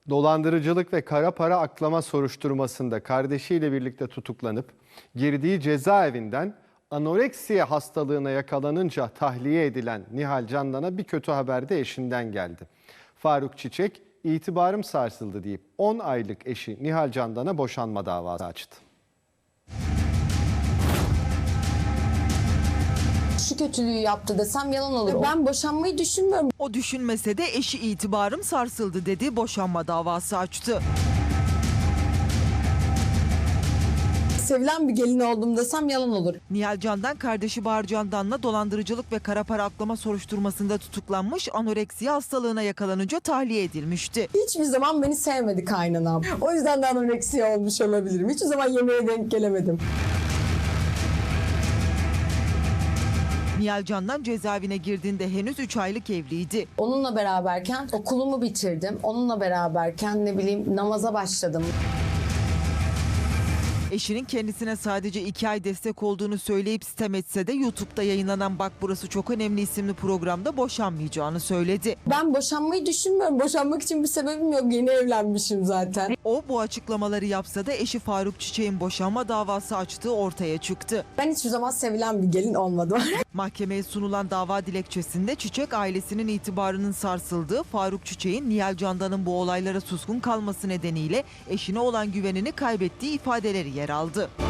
Dolandırıcılık ve kara para aklama soruşturmasında kardeşiyle birlikte tutuklanıp girdiği cezaevinden anoreksiya hastalığına yakalanınca tahliye edilen Nihal Candan'a bir kötü haber de eşinden geldi. Faruk Çiçek, itibarım sarsıldı deyip 10 aylık eşi Nihal Candan'a boşanma davası açtı. Şu kötülüğü yaptı desem yalan olur. Ben boşanmayı düşünmüyorum. O düşünmese de eşi itibarım sarsıldı dedi, boşanma davası açtı. Sevilen bir gelin oldum desem yalan olur. Nihal Candan kardeşi Bahar Candan'la dolandırıcılık ve kara para aklama soruşturmasında tutuklanmış, anoreksiya hastalığına yakalanınca tahliye edilmişti. Hiçbir zaman beni sevmedi kaynanam. O yüzden de anoreksiya olmuş olabilirim. Hiçbir zaman yemeğe denk gelemedim. Nihal Candan cezaevine girdiğinde henüz 3 aylık evliydi. Onunla beraberken okulumu bitirdim. Onunla beraberken namaza başladım. Eşinin kendisine sadece 2 ay destek olduğunu söyleyip sitem etse de YouTube'da yayınlanan Bak Burası Çok Önemli isimli programda boşanmayacağını söyledi. Ben boşanmayı düşünmüyorum. Boşanmak için bir sebebim yok. Yeni evlenmişim zaten. O bu açıklamaları yapsa da eşi Faruk Çiçek'in boşanma davası açtığı ortaya çıktı. Ben hiçbir zaman sevilen bir gelin olmadım. Mahkemeye sunulan dava dilekçesinde Çiçek ailesinin itibarının sarsıldığı, Faruk Çiçek'in Nihal Candan'ın bu olaylara suskun kalması nedeniyle eşine olan güvenini kaybettiği ifadeleri yer aldı.